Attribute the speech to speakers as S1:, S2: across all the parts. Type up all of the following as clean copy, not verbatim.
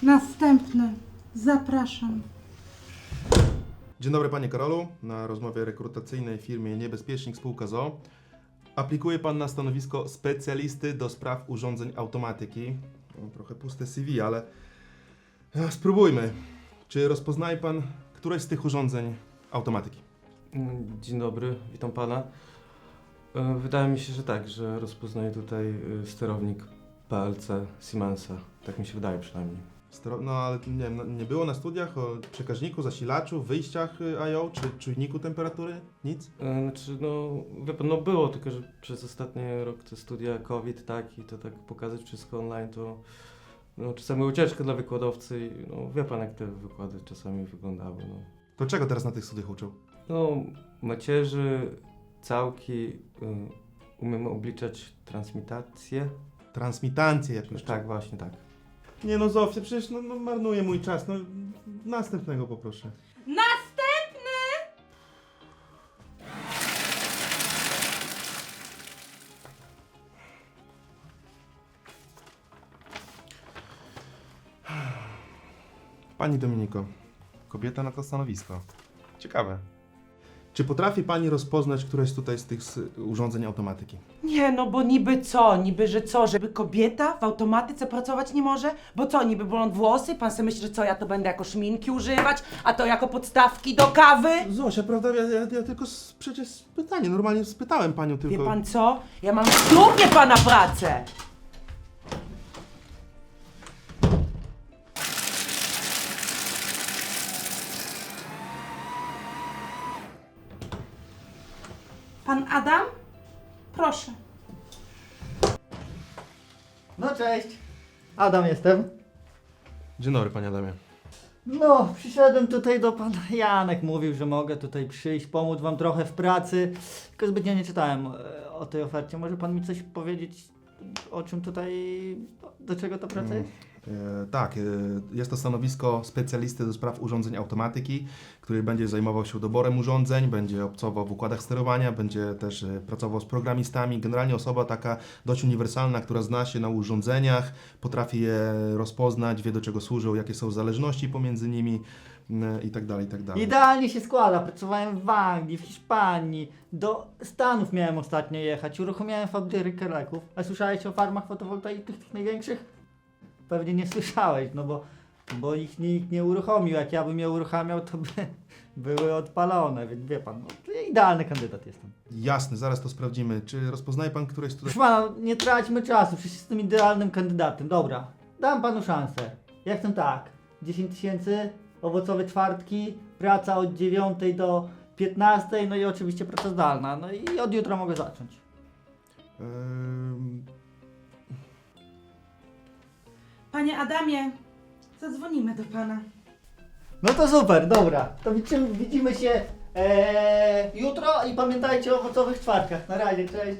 S1: Następny. Zapraszam.
S2: Dzień dobry panie Karolu, na rozmowie rekrutacyjnej w firmie Niebezpiecznik spółka ZOO. Aplikuje pan na stanowisko specjalisty do spraw urządzeń automatyki. No, trochę puste CV, ale spróbujmy. Czy rozpoznaje pan któreś z tych urządzeń automatyki?
S3: Dzień dobry, witam pana. Wydaje mi się, że tak, że rozpoznaję tutaj sterownik PLC Siemensa. Tak mi się wydaje przynajmniej.
S2: No ale nie wiem, nie było na studiach o przekaźniku, zasilaczu, wyjściach I/O czy czujniku temperatury? Nic?
S3: Znaczy, no, wie pan, no było, tylko że przez ostatni rok te studia COVID, tak, i to tak pokazać wszystko online, to no, czasami ucieczka dla wykładowcy i no, wie pan, jak te wykłady czasami wyglądały, no.
S2: To czego teraz na tych studiach uczą?
S3: No, macierzy, całki, umiemy obliczać transmitację.
S2: Transmitancję jakąś.
S3: Tak, właśnie tak.
S2: Nie no Zofia, przecież no, marnuje mój czas. No, następnego poproszę.
S1: Następny!
S2: Pani Dominiko, kobieta na to stanowisko. Ciekawe. Czy potrafi pani rozpoznać któreś tutaj z tych urządzeń automatyki?
S4: Nie, no bo niby co? Niby, że co? Żeby kobieta w automatyce pracować nie może? Bo co, niby blond włosy? Pan sobie myśli, że co, ja to będę jako szminki używać? A to jako podstawki do kawy?
S2: Zosia, prawda? Ja tylko przecież pytanie, normalnie spytałem panią tylko.
S4: Wie pan co? Ja mam w dupie pana pracę!
S1: Pan Adam? Proszę.
S5: No cześć, Adam jestem.
S2: Dzień dobry, panie Adamie.
S5: No, przyszedłem tutaj do pana. Janek mówił, że mogę tutaj przyjść, pomóc wam trochę w pracy. Tylko zbytnio nie czytałem o tej ofercie. Może pan mi coś powiedzieć, o czym tutaj, do czego ta praca jest?
S2: Tak, jest to stanowisko specjalisty do spraw urządzeń automatyki, który będzie zajmował się doborem urządzeń, będzie obcował w układach sterowania, będzie też pracował z programistami. Generalnie osoba taka dość uniwersalna, która zna się na urządzeniach, potrafi je rozpoznać, wie do czego służą, jakie są zależności pomiędzy nimi i tak dalej, i tak dalej.
S5: Idealnie się składa. Pracowałem w Anglii, w Hiszpanii, do Stanów miałem ostatnio jechać, uruchomiłem fabrykę leków. A słyszałeś o farmach fotowoltaicznych, tych największych? Pewnie nie słyszałeś, no bo ich nikt nie uruchomił. Jak ja bym je uruchamiał, to by były odpalone, więc wie pan, no, to ja idealny kandydat jestem.
S2: Jasne, zaraz to sprawdzimy. Czy rozpoznaje pan któreś tutaj...
S5: Proszę pana, nie traćmy czasu, przecież jestem idealnym kandydatem. Dobra, dam panu szansę. Ja chcę tak, 10 000, owocowe czwartki, praca od 9 do 15, no i oczywiście praca zdalna. No i od jutra mogę zacząć.
S1: Panie Adamie, zadzwonimy do pana.
S5: No to super, dobra. To widzimy się jutro i pamiętajcie o owocowych czwartkach. Na razie, cześć.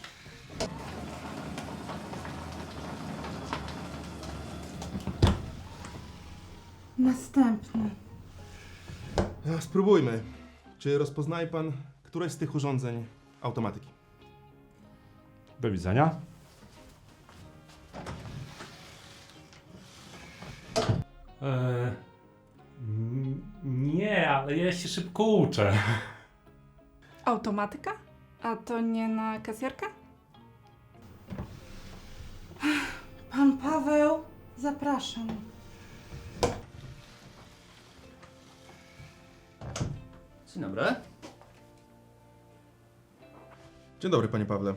S1: Następny.
S2: Spróbujmy. Czy rozpoznaje pan któreś z tych urządzeń automatyki?
S6: Do widzenia. Nie, ale ja się szybko uczę.
S7: Automatyka? A to nie na kasjerkę?
S1: Pan Paweł? Zapraszam.
S5: Dzień dobry.
S2: Dzień dobry, panie Pawle.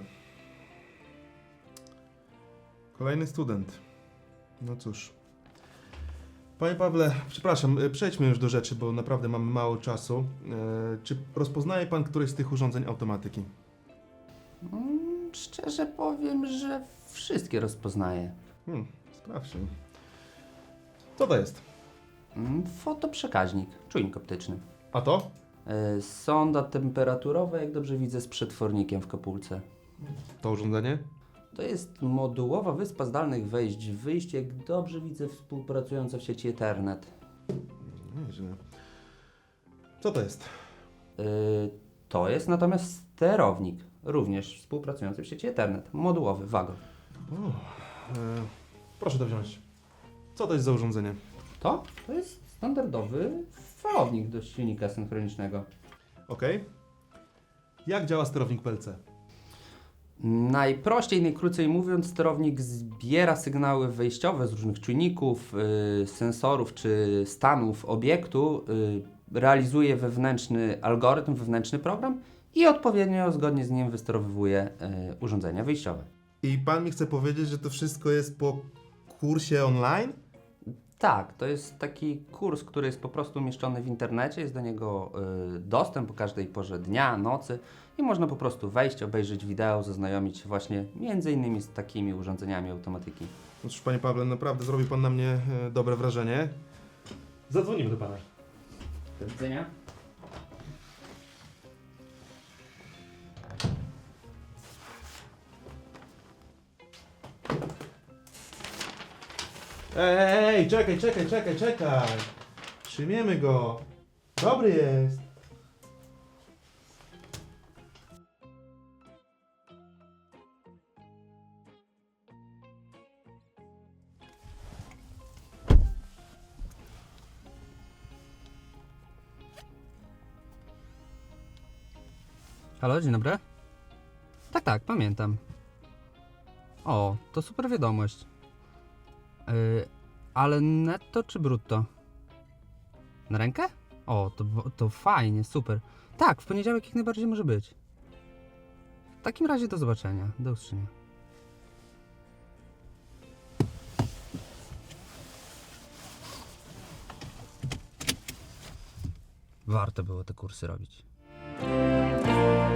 S2: Kolejny student. No cóż. Panie Pawle, przepraszam, przejdźmy już do rzeczy, bo naprawdę mamy mało czasu. Czy rozpoznaje pan któreś z tych urządzeń automatyki?
S8: Szczerze powiem, że wszystkie rozpoznaję.
S2: Sprawdźmy. Co to jest?
S8: Fotoprzekaźnik, czujnik optyczny.
S2: A to?
S8: Sonda temperaturowa, jak dobrze widzę, z przetwornikiem w kopulce.
S2: To urządzenie?
S8: To jest modułowa wyspa zdalnych wejść, wyjść, jak dobrze widzę, współpracująca w sieci Ethernet.
S2: Nieźle. Co to jest?
S8: To jest natomiast sterownik, również współpracujący w sieci Ethernet, modułowy, wagon.
S2: Proszę to wziąć. Co to jest za urządzenie?
S8: To jest standardowy falownik do silnika synchronicznego.
S2: Ok. Jak działa sterownik PLC?
S8: Najprościej, najkrócej mówiąc, sterownik zbiera sygnały wejściowe z różnych czujników, sensorów czy stanów obiektu, realizuje wewnętrzny algorytm, wewnętrzny program i odpowiednio zgodnie z nim wysterowywuje urządzenia wyjściowe.
S2: I pan mi chce powiedzieć, że to wszystko jest po kursie online?
S8: Tak, to jest taki kurs, który jest po prostu umieszczony w internecie, jest do niego dostęp po każdej porze dnia, nocy i można po prostu wejść, obejrzeć wideo, zaznajomić się właśnie między innymi z takimi urządzeniami automatyki.
S2: No cóż, panie Pawle, naprawdę zrobił pan na mnie dobre wrażenie.
S6: Zadzwonimy do pana.
S8: Do widzenia.
S2: Ej, czekaj. Przyjmiemy go. Dobry jest.
S9: Halo, dzień dobry. Tak, pamiętam. O, to super wiadomość. Ale netto czy brutto? Na rękę? O, to fajnie, super. Tak, w poniedziałek jak najbardziej może być. W takim razie do zobaczenia, do usłyszenia. Warto było te kursy robić.